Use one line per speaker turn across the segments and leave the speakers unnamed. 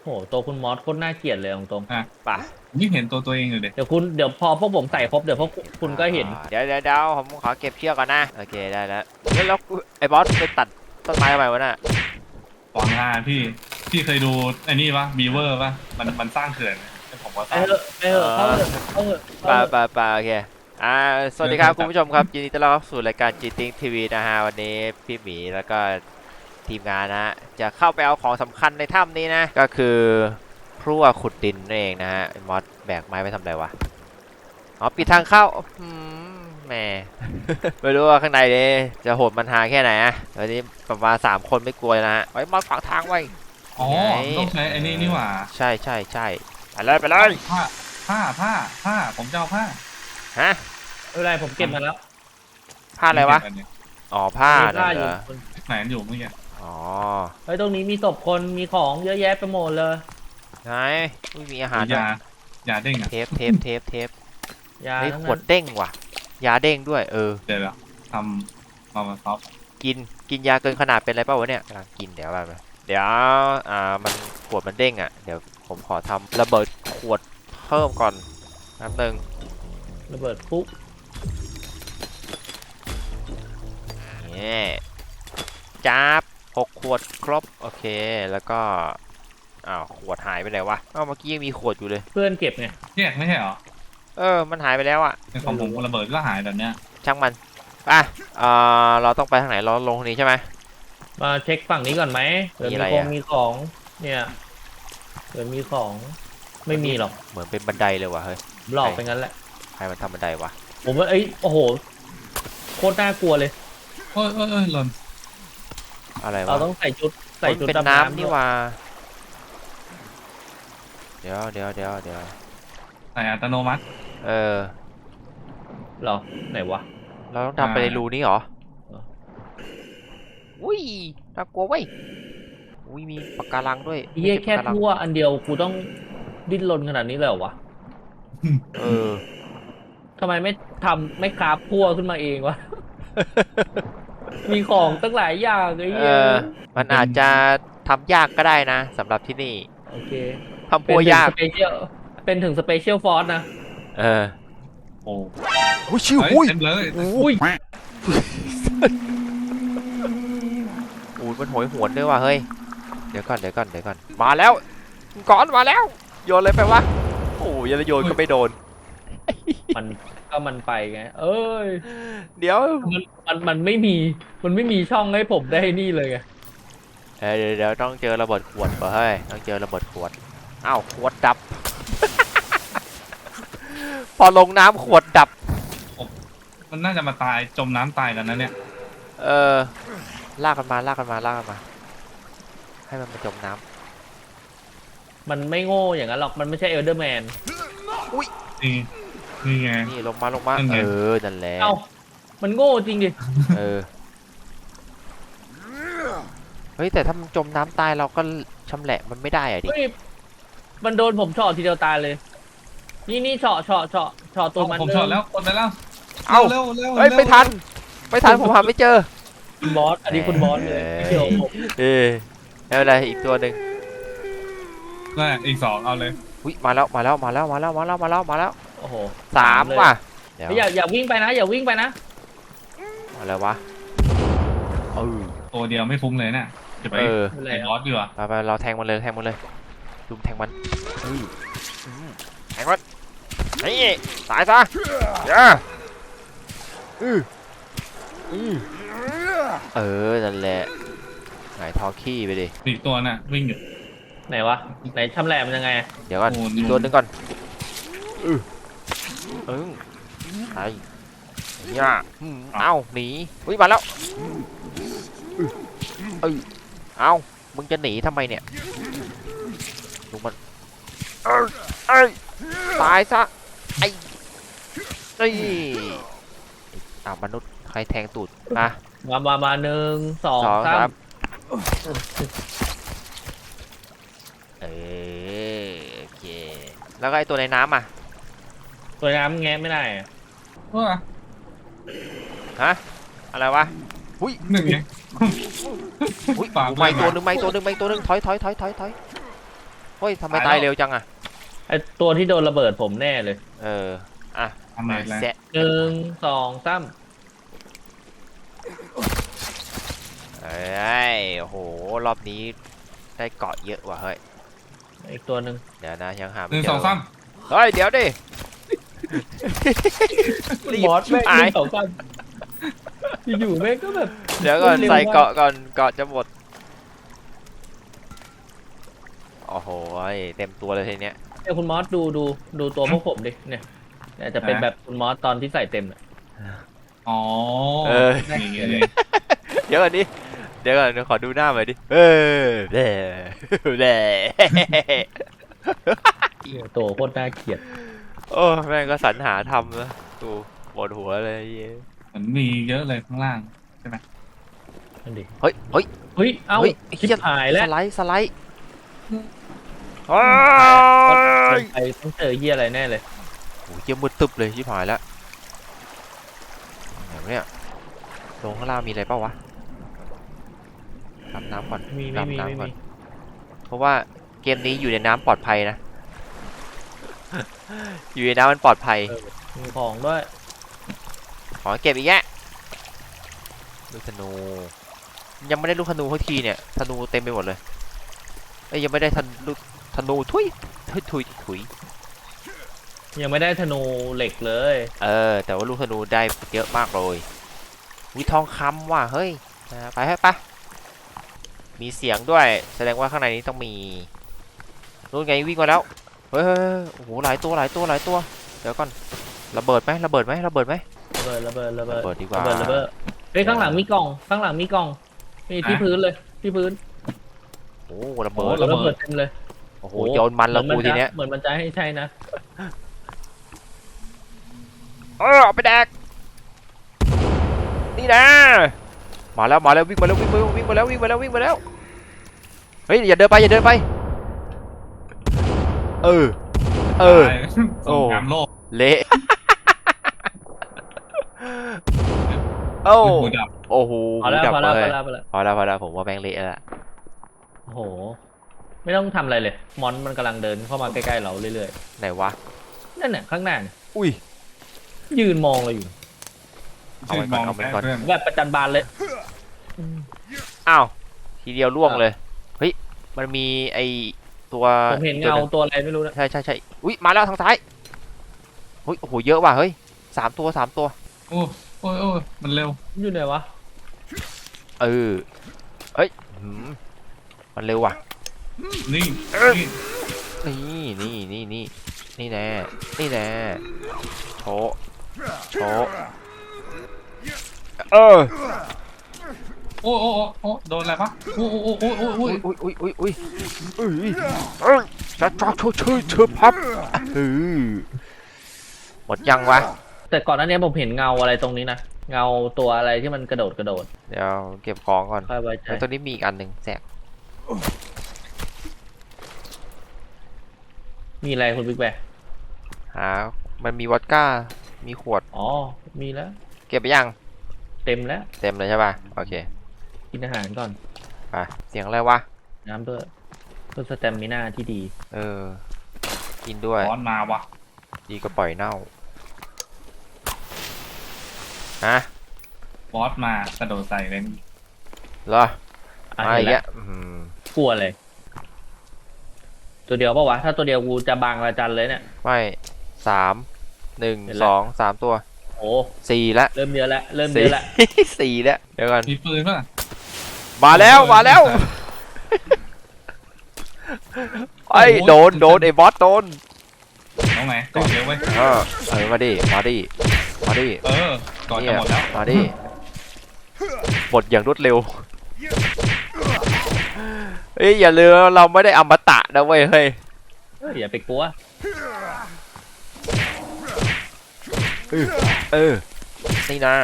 โหตัวคุณมอสโคตรน่าเกลียดเลยตรง
อ่ะ
ป่ะ
นี่เห็นตัวเองอยู่เลย
ๆเดี๋ยวพอพวกผมใส่ครบเดี๋ยวพวกคุณก็เห็น
เดี๋ยวผมขอเก็บเชือกก่อนนะโอเคได้แล้วแล้วไอ้บอสไปตัดต้นไม้ทำไมวะน่ะ
หวังงานพี่เคยดูไอ้นี่ปะบีเวอร์ปะมันสร้างเขื่อนผมก็ส
ไป
ร้าง
เถอะไปเถอะเข้าเถอะเข้าเถอะ
ป่าโอเคสวัสดีครับคุณผู้ชมครับยินดีต้อนรับสู่รายการ GTing TV นะฮะวันนี้พี่หมีแล้วก็ทีมงานนะฮะจะเข้าไปเอาของสำคัญในถ้ำนี้นะก็คือพลั่วขุดดินนั่นเองนะฮะมอสแบกไม้ไปทำอะไรวะอ๋อปิดทางเข้าแหม ไม่รู้ว่าข้างในเนี่ยจะโหดมันหาแค่ไหนอะวันนี้ประมาณ3 คนไม่กลัวนะฮะไว้มอสขวางทางไว้
อ๋อต้องใช้ไอ้นี่หว่า
ใช่ไปเลย
ผ้าผมจะเอาผ้า
ฮะ
ไม่เป็นไรผมเก็บมาแล้ว
ผ้าอะไรวะอ๋อผ้า
มี
นั่
ผ้าน อ
เหร
ยู่
อ
ไหนอยู่เมื่อกี้
อ๋อ
เฮ้ยตรงนี้มีศพคนมีของเยอะแยะไปหมดเลย
ไหนอุ้ยมีอาหาร
ยาเด้งอ่ะ
เทป
ยา
เฮ้ย
ทั้ง
ข
นั้
วด
น
เด้งว่ะยาเด้งด้วย
เดี๋ยวทำมาซอฟ
กินยาเกินขนาดเป็นอะไรเปล่าวะเนี่ยกำลังกินเดี๋ยวไปเดี๋ยวมันขวดมันเด้งอ่ะเดี๋ยวผมขอทำระเบิดขวดเพิ่มก่อนแป๊บนึง
ระเบิดปุ๊บ
นี่จับ6 ขวดครบโอเคแล้วก็ขวดหายไปไหนวะเมื่อกี้ยังมีขวดอยู่เลย
เพื่อนเก็บไง
แยกไม่ใช่เหรอ
มันหายไปแล้วอ่ะ
ในของผมระเบิดก็หายแบบเนี้ย
ช่างมันเราต้องไปทางไหนเราลงทางนี้ใช่ไหม
มาเช็คฝั่งนี้ก่อนไหมเดี๋ยว
มีอะไร
มี
อะ
มีของเนี่ยเดี๋ยวมีของไม่มีหรอก
เหมือนเป็นบันไดเลยว่ะเฮ้ย
หลอกไปงั้นแหละ
ใครมันทำบันไดวะ
ผมว่าโอ้โหโคตรน่ากลัวเลย
เอ้ยหล่น
อะไรวะ
เราต้องใส่ชุด
มันเป็น
ดำ
น้ำ
น้ำ
นี่
ด้วย
ว่าเดี๋ยว
ใส่อัตโนมัติ
เหรอไหนวะ
เราต้องทำไปในรูนี้เหรอ
เออ
อุ้ยน่ากลัวเว้ยอุ้ยมีปะการังด้วย
เยี่ยแค่
ปะการัง
ทั่วอันเดียวกูต้องดิ้นรนขนาดนี้เลยเหรอวะ
เออ
ทำไมไม่คราฟพั่วขึ้นมาเองวะ มีของตั้งหลายอย่างไอ้เหี้ย
มันอาจจะทำยากก็ได้นะสำหรับที่นี่
โอเค
ทำปัวยาก
เป็นถึงสเปเชียลฟอร์สนะ
โอ้
อุ้ยชิว
เฮ้ย
อุ้ย
เต็มเลย
อุ้ย
อุ้ยมันโหยหวนด้วยว่ะเฮ้ยเดี๋ยวก่อนมาแล้วก่อนมาแล้วโยนเลยไปวะโอ้ยโยนก็ไม่โดน
มันไปไง เอ้ย
เดี๋ยว
มันไม่มีช่องให้ผมได้นี่เลยไง
เดี๋ยวต้องเจอระเบิดขวดก่อนเฮ้ยต้องเจอระเบิดขวดอ้าวขวดดับ พอลงน้ำขวดดับ
มันน่าจะมาตายจมน้ำตายกันนะเนี่ย
ลากกันมาให้มันมาจมน้
มันไม่โง่อย่างนั้นหรอกมันไม่ใช่เอลเดอร์แมน
นี่ไง
ำนี่ลงมา
นั่นไง
นั่นแหละ
เอ้ามันโง่จริงดิ
เฮ้ยแต่ถ้ามันจมน้ำตายเราก็ชำแหละมันไม่ได้อะดิ
เฮ้ยมันโดนผมเฉาะทีเดียวตายเลย นี่เฉาะตัวมัน
ผมชอบแล้วกดไปแล้ว
เอ้า
เร็ว
เฮ้ยไม่ทันผมหาไม่เจอ
คุณบอสอันนี้คุณบอสเลยไม่เกี่ยวกับผม
ไม่เป็นไรอีกตัวหนึ่ง
นั่นอีก2เอาเลย
อุ้ยมาแล้ว
โอ้โห
3ว่ะเดี๋ยว
อย่าวิ่งไปนะอย่าวิ่งไปนะ
อะไรวะ
ตัวเดียวไม่ฟุ้งเลยน่ะจะไป
อะไร
ไอ้บ
อ่ะ
อสดีกว่า
ไปเราแทงมันเลยลุมแทงมันแทงมันนี่ตายซะนั่นแหละไหนทอขี้ไปดิ
อีกตัวน่ะวิ่งอยู่
ไหนวะไหนชำแหละมันยังไง
เดี๋ยวก่อน
โอ้
อีกตัวหนึงก่อนไอ้เนี่ยเอ้าหนีอุ้ยมาแล้วเอ้ามึงจะหนีทำไมเนี่ยลุงมันตายซะไอ้มนุษย์ใครแทงตูดมา
มา1 2
2
3
3โอเคแล้วก็ไอตัวในน้ำอ่ะ
ตัวน้ำแงะไม่ได้อะ
ว่า
ฮะอะไรวะหุ้ย
หนึ่งไง
หุ้ย
ฝาก
ไม่ตัวหนึ่งถอยเฮ้ยทำไมตายเร็วจังอะ
ไอตัวที่โดนระเบิดผมแน่เลย
อ่ะ
ทำไมแล้ว
แซะ
1 2 3
เอ้ยโอ้โหรอบนี้ได้เกาะเยอะว่ะเฮ้ย
อีกตัวหนึ่ง
เดี๋ยวนะยังหา
ห
ไม่
นึ่ง
เจ
สองสาม
เฮ้ยเดี๋ยวดิ รีบ
มอสแม่ง
หาย
1 2 3อยู่ๆแม่งก็แบบ
เดี๋ยวก่อน
เร็วมาก
ใส่เกาะก่อนเกาะจะหมดโอ้โหเต็มตัวเลยทีเนี้ย
เนี่ยคุณมอสดูตัวพวกผมดิเนี่ยจะเป็นแบบคุณมอสตอนที่ใส่เต็ม
อ๋อ อย่างเงี้ยเลย
เดี๋ยวก่อนดิเดี๋ยวก่อนเดี๋ยวขอดูหน้าหน่อยดิเด้เด้
ตัวโคตรน่าเกลียด
โอ้แม่งก็สรรหาทำนะดูปวดหัวเลยเย้
เหมือนมีเยอะเลยข้างล่าง
นั่นดิ
เฮ้ย
เฮ้ยเอ้า
เฮ้ย
ชิบหายแล้ว
สไลด์เฮ้ย
ไปต้องเจอเหี้ยอะไรแน่เลย
โหเยี่ยมมืดตึบเลยชิบหายแล้วไหนวะเนี่ยลงข้างล่างมีอะไรเปล่าวะดำน้ำก่อน
ไม่
ดำ
มี
น้ำก่อนเพราะว่าเกมนี้อยู่ในน้ำปลอดภัยนะ อยู่ในน้ำมันปลอดภัย
มีของด้วย
ขอเก็บอีกแยะลูกธนูยังไม่ได้ลูกธนูสักทีเนี่ยธนูเต็มไปหมดเลยเอ้ยยังไม่ได้ลูกธนูทุย
ยังไม่ได้ธนูเหล็กเลย
แต่ว่าลูกธนูได้เยอะมากเลยวิทองคำว่ะเฮ้ยไปให้ปะมีเสียงด้วยแสดงว่าข้างในนี้ต้องมีนู่นไงวิ่งมาแล้วเฮ้ยโอ้โหหลายตัวเดี๋ยวก่อนระเบิดไหมระเบิดไหม
ระเบิด
ดีกว่า
ระเบิดเฮ้ยข้างหลังมีกล่องนี่ที่พื้นเลยที่พื้น
โอ้ระเบิด
ระเบิดเต็มเลย
โอ้โหโยนมันแล้วกูทีเนี้ย
เหมือนมันจะให้ใช่นะ
เอาไปแดกนี่นะมาแล้ววิ่งมาแล้วเฮ้ยอย่าเดินไปโอ้
สงครามโลก
เละโอ้
หูดับ
โอ้โห
พอแล้ว
ดับ
พอแล้ว
เลย
พอแล้ว
พอแล้วผมว่าแม่งเละแล้ว
โอ้โหไม่ต้องทำอะไรเลยมอนมันกำลังเดินเข้ามาใกล้ๆเราเรื่อย
ไหนวะ
ๆนั่นน่ะข้างหน้าเนี่ย
อุ้ย
ยืนมองเราอยู่
เอาไว้ก่อน
เพื่อน
แบบประจันบานเลย
อ้าวทีเดียวล่วงเลยเฮ้ยมันมีไอตัว
ผมเห็นเงาตัวอะไรไม่รู้นะ
ใช่อุ้ยมาแล้วทางซ้ายเฮ้ยโอ้โหเยอะว่ะเฮ้ยสามตัว
โอ้มันเร็ว
อยู่ไหนวะ
เอ้ยมันเร็วว่ะ
นี่
นี่แน่โชว์
โอ้โดนอะไรปะโอ้
อุ้ยจะชื่อพับหมดยังวะ
แต่ก่อนหน้านี้ผมเห็นเงาอะไรตรงนี้นะเงาตัวอะไรที่มันกระโดด
เดี๋ยวเก็บของก่อน
ค่อยไว้ใจ
แล้วตัวนี้มีอีกอันหนึ่งแสก
มีอะไรคุณบิ๊กแบร์
มันมีวอดก้ามีขวด
อ๋อมีแล้ว
เก็บไปยัง
เต็มแล้ว
เต็มเลยใช่ป่ะโอเค
กินอาหารก่อน
ไปเสียงอะไรวะ
น้ำเพื่อสเตมิน่าที่ดี
กินด้วย
บอสมาวะ
ดีก็ปล่อยเน่า
บอสมากระโดดใส่เลย
เหรอ
อ่ะ
มา
เห็
อี
น
ก
แล้
แล้ว ว
กลัวเลย ตัวเดียวปะวะถ้าตัวเดียวกูจะบางระจันเลยเนี่ย
ไม่3 1 2 3ตัว
โอ้
4แล้ว
เริ่มเยอะแล้ว
4แล้วเดี๋ยวก่อน
มีปืนป่ะ
มาแล้วไอ้โดนไอ้บอสโดน
น้องไหนก่อนเร็วเว้ย
มาดิ
ก่อนจะหมดแล้ว
มาดิหมดอย่างรวดเร็วเฮ้ยอย่าลืมเราไม่ได้อมตะนะเว้ยเฮ้ย
อย่าไปกลัว
นี่นะ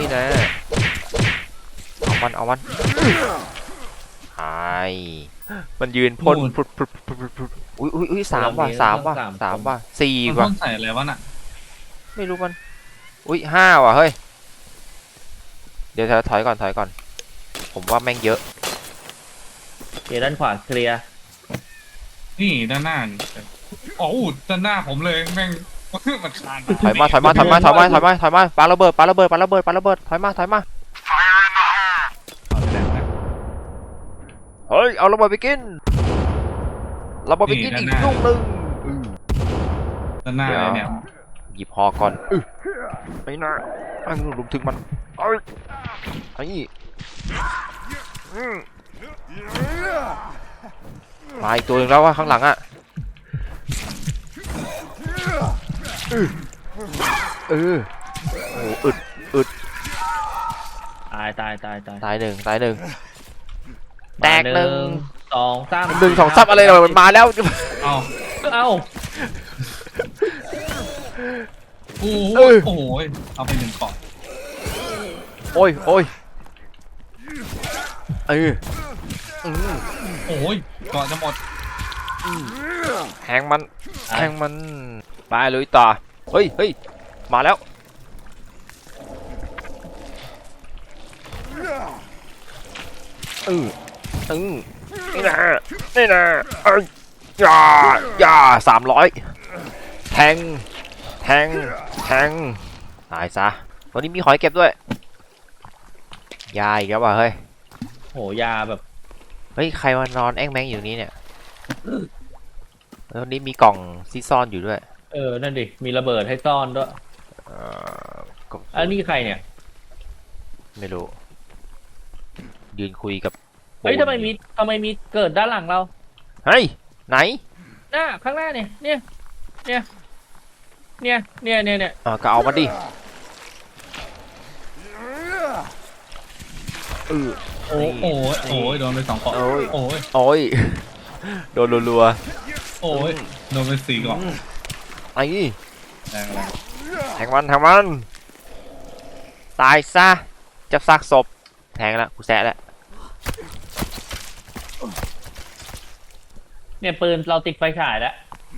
เอามันหายมันยืนพ่นอุ้ย3 ว่ะ4
มั
ว่ะ
นใส่อะไรวะน่ะ
ไม่รู้มันอุ้ย5ว่ะเฮ้ยเดี๋ยวถอยก่อนผมว่าแม่งเยอะ
ด้านขวาเคลียร์
ไนี่ด้านหน้านี่โอ้โหด้านหน้าผมเลยแม่ง มันคาน
ถอยมาปาระเบิดถอยมาเฮ้ยเอาระเบิดไปกินอีกลูกนึง
ด้านหน้าเลยเนี่ย
หยิบหอก่อนไอ้น่าไอ้ลุมถึงมันไอ้มาอีกตัวหนึ่งแล้วว่าข้างหลังอ่ะโอ้อึด
ตาย
ตายหนึ่งแตกหนึ่ง
สองสาม
1 2 3อะไรเลยมันมาแล้ว
เอา
เอ้า
โอ้โหเอาไป1 กล่อง
โอ้ยโอ้ย
ก่อนจะหมด
แทงมันไปลุยต่อเฮ้ยมาแล้วนี่นะอย่า300แทงตายซะวันนี้มีหอยเก็บด้วยยาอีกแล้วว่ะเฮ้ย
โหยาแบบ
เฮ้ยใครมานอนแอ้งแมงอยู่นี้เนี่ยแล้วนี้มีกล่องซีซ่อนอยู่ด้วย
นั่นดิมีระเบิดให้ซ่อนด้วยอันนี้ใครเนี่ย
ไม่รู้ยืนคุยกับ
เฮ้ยทำไมมีเกิดด้านหลังเรา
เฮ้ยไหน
ข้างหน้าเนี่ย
ก็เอามาดิ
โอ้ยโดนไป2 กล่องโอ้ย
โดนรัว
โอ้ยโดนไป4 กล่อง
ไอ้
แรง
แทงมันตายซะจับซากศพแทงแล้วกูแซะแล้ว
เนี่ยปืนเราติดไฟฉายแล้ว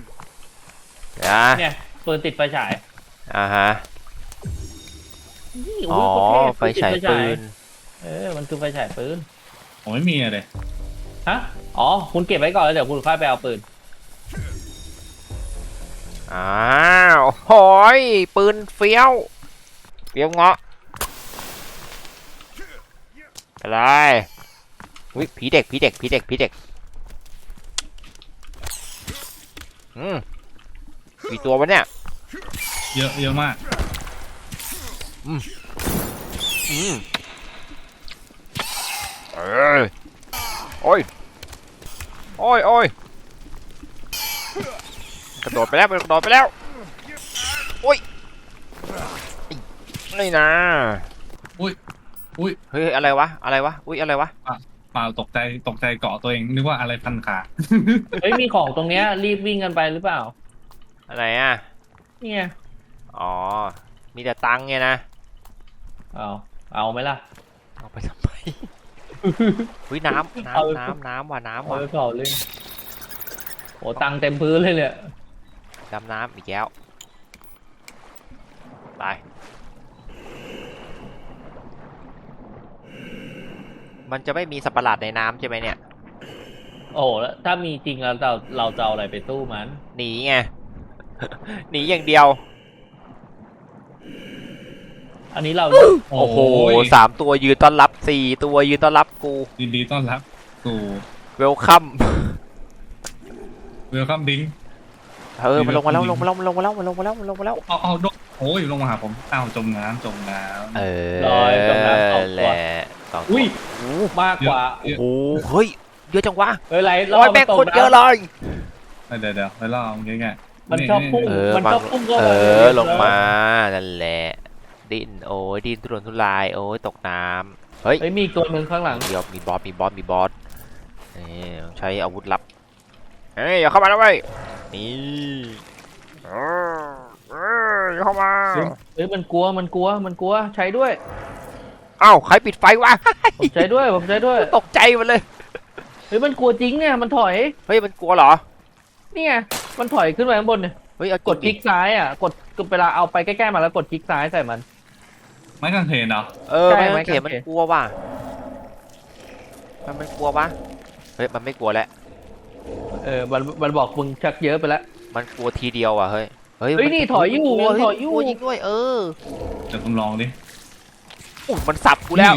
เนี่ยปืนติดไฟฉาย
ฮะ
นี่
อ๋อ
โยโคตรเท่
ไฟฉายปืน
มันคือไฟฉายปืน
ผมไม่มีอะไร
ฮะอ๋อคุณเก็บไว้ก่อนแล้วเดี๋ยวคุณค่อยไปเอาปืน
อ้าวโหยปืนเฟี้ยวเงาะอะไรวิผีเด็กกี่ตัววะเนี่ย
เยอะมาก
โอ้ยกระโดดไปแล้วโอ้ยนี่นะ
อุ้ย
เฮ้ยอะไรวะอุ้ยอะไรวะ
เปล่าตกใจเกาะตัวเองนึกว่าอะไรพันขา
เฮ้ยมีของตรงเนี้ยรีบวิ่งกันไปหรือเปล่า
อะไรอ่ะ
เนี่ย
อ๋อมีแต่ตังค์ไงนะ
เอาไหมล่ะ
เอาไปทำไม อุ้ยน้ำว่ะ
เอาไปเผาเลยโอ้ตังเต็มพื้นเลยเนี่ย
ดำน้ำอีกแล้วไปมันจะไม่มีสัตว์ประหลาดในน้ำใช่ไหมเนี่ย
โอ้แล้วถ้ามีจริงแล้วเราจะเอาอะไรไปสู้มัน
หนีไง หนีอย่างเดียว
อันนี้เรา
โอ้โห3 ตัวยืนต้อนรับ4 ตัวยืนต้อนรับกู
ยินดีต้อนรับสู่
เวลคัม
เวลคัมดิ้ง
มันลงมาแล้วเอา
โอ้ยลงมาหาผมจมน้ำ
ลอยจมน้ำ2
แห
ตัว
ละ
อุ้ยมากกว่า
โอ้โหเฮ้ยเยอะจังวะ
ไร
โอ้ยแม่งคนเยอะเลย
เดี๋ยวไปล่อง่าย
มันชอบพุ่งมันชอบพุ่งก็
ลงมานั่นแหละดิ้นทุรนทุรายตกน้ำเฮ้ย
มีตัวหนึ่งข้างหลัง
เดี๋ยวมีบอสนี่ใช้อาวุธลับอย่าเข้ามาแล้วเว้ยนี่อย่าเข้ามา
มันกลัวใช้ด้วย
อ้าวใครปิดไฟวะ
ผมใช้ด้วย
ตกใจมันเลย
มันกลัวจริงเนี่ยมันถอย
เฮ้ยมันกลัวเหรอ
นี่ไงมันถอยขึ้นไปข้างบนเนี่ย
เฮ้ย
กดคลิกซ้ายอ่ะกดเวลาเอาไปใกล้ๆมาแล้วกดคลิกซ้ายใส่มัน
ไม่กางเขนเหรอ
ไม่เข็มมันกลัวว่ะมันกลัวปะเฮ้ยมันไม่กลัวแล้ว
มันบอกมึงชักเยอะไปแล้ว
มันกลัวทีเดียวอ่ะเฮ้ย
เฮ้ยนี่ถอยอยู่
กลัว
มันถอยอยู่
กลัวยิงด้วย
เดี๋ยวผมลองดิ
อุ๊ยมันสับกูแล้ว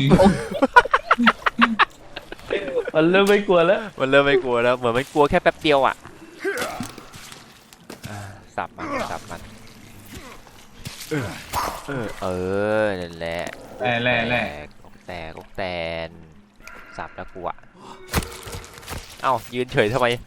มันเริ่มไม่กลัวแล้ว
มันเริ่มไม่กลัวแล้วเหมือนมันกลัวแค่แป๊บเดียวอ่ะสับมันนั่นแหละ
แร่
กแตนสับแล้วกูอ่ะเอ้ายืนเฉยทำไม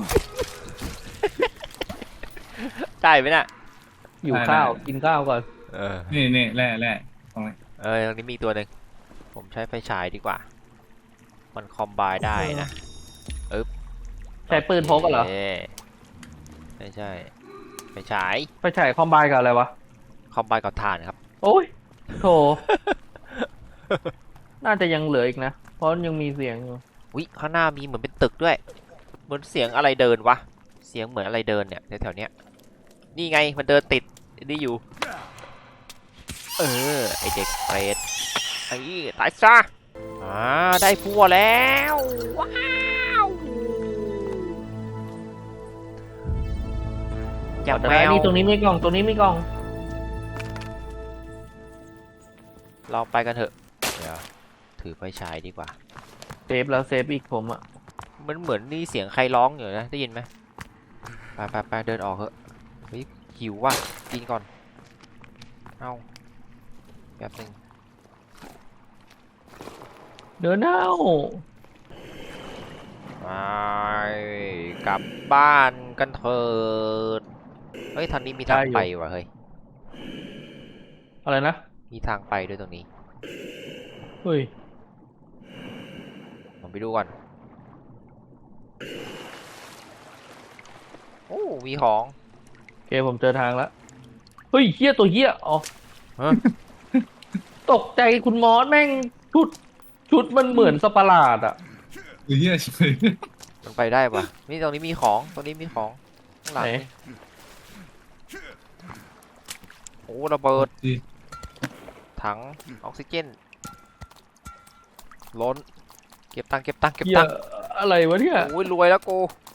ได้ไหมน่ะ
อยู่ข้าวกินข้าวก่อน
นี่แร่ตรงนี้
ตรงนี้มีตัวหนึ่งผมใช้ไฟฉายดีกว่า มันคอมไบได้นะ
ใช้ปืนพกกันเหรอ
ไม่ใช่ไฟฉาย
ไปฉายคอมไบกับอะไรวะ
คอมไบกับถ่านครับ
โอ้ยโถ น่าจะยังเหลืออีกนะ เพราะยังมีเสียงอยู่
วิข้างหน้ามีเหมือนเป็นตึกด้วย เหมือนเสียงอะไรเดินวะ เสียงเหมือนอะไรเดินเนี่ยแถวๆเนี้ยนี่ไงมันเดินติดนี่อยู่ ไอเด็กเปรตไอ้ตายซะได้พัวแล้วว้าวจับ
แต่
แมว
นี่ตรงนี้มีกล่องตรงนี้มีกล่อง
ลองไปกันเถอะเดี๋ยวถือไฟฉายดีกว่า
เซฟแล้วเซฟอีกผมอ่ะ
มันเหมือนนี่เสียงใครร้องอยู่นะได้ยินไหมไปเดินออกเถอะเฮ้ยหิวว่ะกินก่อนเอาแป๊บนึง
เดินเอา
ไปกลับบ้านกันเถิดเฮ้ยทางนี้มีทางไปว่ะเฮ้ย
อะไรนะ
มีทางไปด้วยตรงนี้
เฮ้ย
ผมไปดูก่อนโอ้มีของ
โอเคผมเจอทางแล้ว เฮ้ยเหี้ยตัวเหี้ยอ๋อ
ฮะ
ตกใจคุณมอสแม่งชุดมันเหมือนสัตว์ประหลาดอ่ะ
เฮียเฉย
มันไปได้ปะนี่ตรงนี้มีของตรงนี้มีของข้างหลัง
ไหน
นี่โอ้ระเบิด
ดิ
ถังออกซิเจนล้นเก็บตังค์
เหี้ยอะไรวะเนี่ย
โอ้ยรวยแล้วกู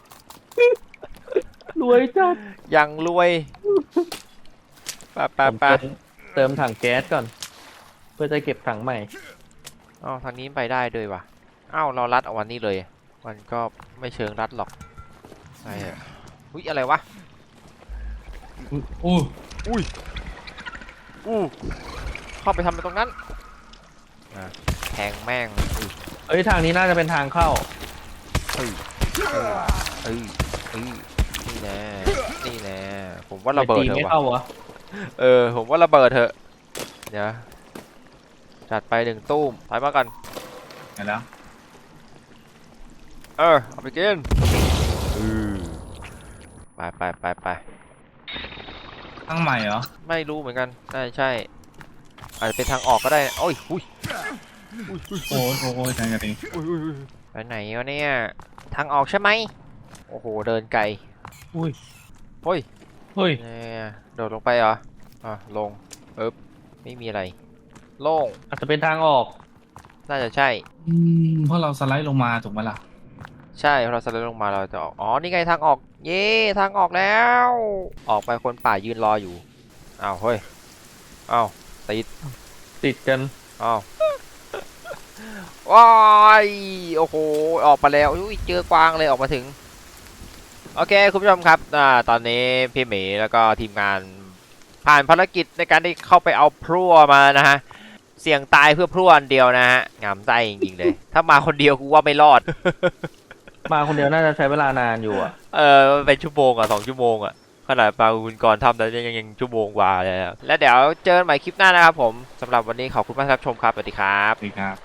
รวยจัด
ยังรวยไป
ผมเติมถังแก๊สก่อน เพื่อจะเก็บถังใหม่
อ้าวทางนี้ไปได้ด้วยวะอ้าวเรารัดเอาวันนี้เลย มันก็ไม่เชิงรัดหรอกอะไรอะอุ้ยอะไรวะ
อู้
อู้เข้าไปทำอะไรตรงนั้นแทงแม่ง
เอ้ยทางนี้น่าจะเป็นทางเข้า
นี่แน่ผมว่าระเบิด
ตี
เถ
ไม่
อะ
เข้าวะ
ผมว่าระเบิดเถอะเดี๋ยวจัดไป1ตู้มไปมากัน
เห็นแล้ว
เอาไปกินไป
ตั้งใหม่เหรอ
ไม่รู้เหมือนกันใช่อาจจะเป็นทางออกก็ได้โอ้ย
โอ้ยแทงกันเอง
ไปไหนวะเนี่ยทางออกใช่ไหมโอ้โหเดินไกล
อุ้ย
เฮ้ย เนี่ยโดดลงไปเหรอลงไม่มีอะไรโล่ง
อาจจะเป็นทางออก
น่าจะใช่
เพราะเราสไลด์ลงมาถูกไหมล่ะ
ใช่พอเราสไลด์ลงมาเราจะออกอ๋อนี่ไงทางออกเย้ทางออกแล้วออกไปคนป่ายืนรออยู่อ้าวเฮ้ยอ้าว
ติดกัน
อ้าวว้ายโอ้โหออกมาแล้วอุ้ยเจอกวางเลยออกมาถึงโอเคคุณผู้ชมครับตอนนี้พี่หมีแล้วก็ทีมงานผ่านภารกิจในการได้เข้าไปเอาพลั่วมานะฮะเสี่ยงตายเพื่อพลั่วอันเดียวนะฮะงามใจจริงๆเลยถ้ามาคนเดียวกูว่าไม่รอด
มาคนเดียวน่าจะใช้เวลานานอยู่อ่ะ
เป็นชั่วโมง2 ชั่วโมงขนาดปาคุณกรทำแล้วยังชั่วโมงกว่าเลยแล้วเดี๋ยวเจอกันใหม่คลิปหน้านะครับผมสำหรับวันนี้ขอบคุณมากครับชมครับสวัสดีครับ
ดีครับ